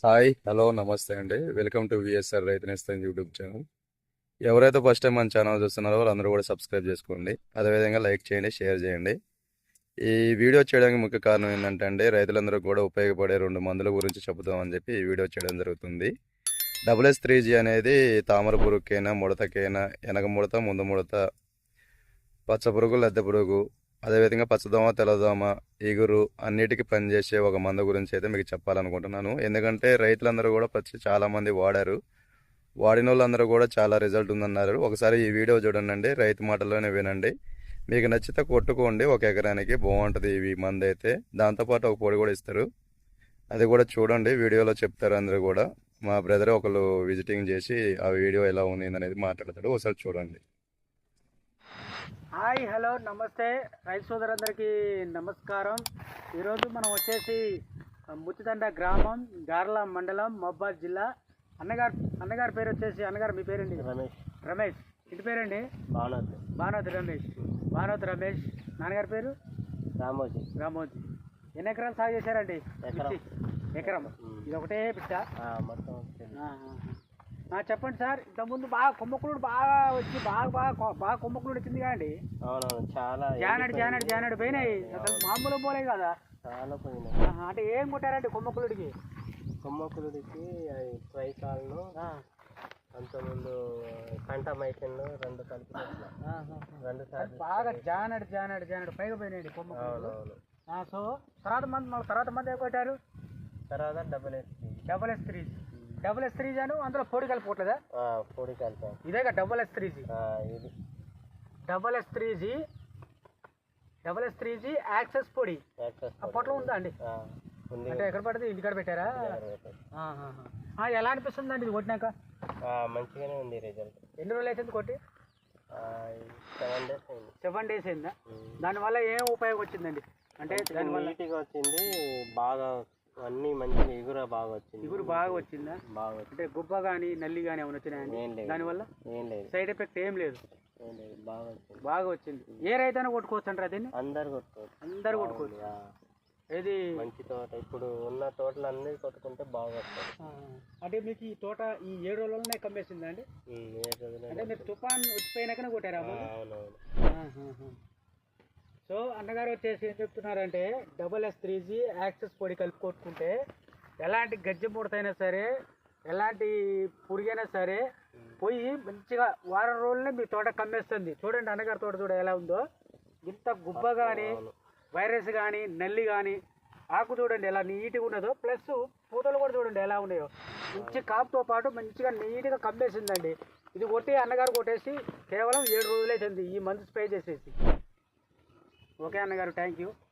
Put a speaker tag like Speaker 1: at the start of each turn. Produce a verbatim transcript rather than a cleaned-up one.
Speaker 1: Hi hello నమస్తే అండి. Welcome to VSR Raithu Nestham YouTube channel. ఎవరైతే ఫస్ట్ టైం మన ఛానల్ చూస్తున్నారో వాళ్ళందరూ కూడా సబ్స్క్రైబ్ చేసుకోండి. అదేవిధంగా లైక్ చేయండి, షేర్ చేయండి. ఈ వీడియో చేయడానికి ముఖ్య కారణం ఏంటంటే అండి, రైతులందరూ కూడా ఉపయోగపడే రెండు మందుల గురించి చెబుదామని చెప్పి ఈ వీడియో చేయడం జరుగుతుంది. డబుల్ ఎస్ త్రీ జీ అనేది తామర పురుగుకైనా, ముడతకైనా, వెనక ముడత, ముందు ముడత, పచ్చ పురుగు, లద్దె పురుగు, అదేవిధంగా పచ్చదోమ, తెల్లదోమ, ఈగురు అన్నిటికీ పనిచేసే ఒక మందు గురించి అయితే మీకు చెప్పాలనుకుంటున్నాను. ఎందుకంటే రైతులందరూ కూడా పచ్చి చాలామంది వాడారు. వాడిన వాళ్ళందరూ కూడా చాలా రిజల్ట్ ఉందన్నారు. ఒకసారి ఈ వీడియో చూడండి, రైతు మాటల్లోనే వినండి. మీకు నచ్చితే కొట్టుకోండి. ఒక ఎకరానికి బాగుంటుంది ఈ మందు అయితే. దాంతోపాటు ఒక పొడి కూడా ఇస్తారు, అది కూడా చూడండి. వీడియోలో చెప్తారు అందరూ కూడా. మా బ్రదర్ ఒకళ్ళు విజిటింగ్ చేసి ఆ వీడియో ఎలా ఉంది అనేది మాట్లాడతాడు, ఒకసారి చూడండి.
Speaker 2: హాయ్ హలో నమస్తే రైతు సోదరులందరికీ నమస్కారం. ఈరోజు మనం వచ్చేసి ముత్తిదండ గ్రామం, గార్ల మండలం, మహబాద్ జిల్లా. అన్నగారు అన్నగారి పేరు వచ్చేసి, అన్నగారు మీ పేరండి?
Speaker 3: రమేష్.
Speaker 2: రమేష్. ఇంటి పేరండి?
Speaker 3: భానోత్.
Speaker 2: భానోత్ రమేష్. భానోత్ రమేష్. నాన్నగారి పేరు?
Speaker 3: రామోజీ.
Speaker 2: రామోజీ. ఎన్ని ఎకరాలు సాగు చేశారండి?
Speaker 3: ఎకరం.
Speaker 2: ఎకరం. ఇది ఒకటే పిట్ట
Speaker 3: మొత్తం.
Speaker 2: చెప్పండి సార్. ఇంతకుముందు బాగా కొమ్మకులుడు బాగా వచ్చి బాగా బాగా బాగా కొమ్మకులుడు వచ్చింది కదండి?
Speaker 3: అవునవును, చాలా
Speaker 2: జానడు జానడు జానడు పోయినాయి. అసలు మామూలు పోలే కదా?
Speaker 3: చాలా పోయినాయి.
Speaker 2: అంటే ఏం కొట్టారండి కొమ్మకులుడికి?
Speaker 3: కొమ్మకులుడికి అది ట్రైకాల్ను, అంతకుముందు కంటమైషన్ రెండు కలిపి రెండు సార్లు
Speaker 2: బాగా జానడు జానడు జానడు పైగా పోయినాయండి కొమ్మకులుడు.
Speaker 3: అవునవును.
Speaker 2: సో తర్వాత మంది మళ్ళీ తర్వాత మంది ఏం కొట్టారు?
Speaker 3: తర్వాత double S
Speaker 2: double S three double S three జాను అందులో పొడి కలిపోవట్లేదా?
Speaker 3: పొడి కలిపాం.
Speaker 2: ఇదేగా డబుల్ ఎస్ త్రీ జీ.
Speaker 3: ఇది
Speaker 2: double S three G double S three G access పొడి పొట్లో ఉందా అండి? అంటే ఎక్కడ పడితే ఇంటికాడ పెట్టారా? ఎలా అనిపిస్తుంది అండి ఇది కొట్టినాక?
Speaker 3: మంచిగానే ఉంది రిజల్ట్.
Speaker 2: ఎన్ని రోజులు అవుతుంది కొట్టి?
Speaker 3: సెవెన్ డేస్ అయింది.
Speaker 2: సెవెన్ డేస్ అయిందా? దానివల్ల ఏం ఉపయోగం వచ్చిందండి? అంటే దానివల్ల
Speaker 3: నీట్గా వచ్చింది, బాగా అన్ని మంచిగా ఎగురు బాగా వచ్చింది.
Speaker 2: ఎగురు బాగా వచ్చిందా?
Speaker 3: బాగా
Speaker 2: అంటే గుబ్బ కానీ నల్లి కానీ ఏమైనా వచ్చినాయండి దానివల్ల?
Speaker 3: ఏం లేదు,
Speaker 2: సైడ్ ఎఫెక్ట్ ఏం లేదు.
Speaker 3: బాగా వచ్చింది.
Speaker 2: బాగా వచ్చింది. ఏ రైతైనా కొట్టుకోవచ్చు అంటారా దీన్ని?
Speaker 3: అందరు కొట్టుకోవచ్చు.
Speaker 2: అందరు కొట్టుకోవచ్చు. ఏది
Speaker 3: మంచి తోట, ఇప్పుడు ఉన్న తోటలు అన్ని కొట్టుకుంటే బాగా వస్తుంది.
Speaker 2: అంటే మీకు ఈ తోట ఈ ఏడు రోజులనే కమ్మేసిందా అండి? అంటే మీరు తుఫాన్ వచ్చిపోయినాకనే కొట్టారా?
Speaker 3: అవునవును.
Speaker 2: సో అన్నగారు వచ్చేసి ఏం చెప్తున్నారంటే, double S three G access పొడి కలిపి కొట్టుకుంటే ఎలాంటి గజ్జె ముడతైనా సరే, ఎలాంటి పురుగైనా సరే పోయి మంచిగా వారం రోజులనే మీ తోట కమ్మేస్తుంది. చూడండి అన్నగారి తోట చూడ ఎలా ఉందో. ఇంత గుబ్బ కానీ, వైరస్ కానీ, నల్లి కానీ, ఆకు చూడండి ఎలా నీట్గా ఉన్నదో. ప్లస్ పూతలు కూడా చూడండి ఎలా ఉన్నాయో. మంచి కాపుతో పాటు మంచిగా నీట్గా కమ్మేసిందండి. ఇది కొట్టి అన్నగారు కొట్టేసి కేవలం ఏడు రోజులు అవుతుంది ఈ మంత్ స్ప్రే చేసేసి. ఓకే అన్నగారు, థ్యాంక్ యూ.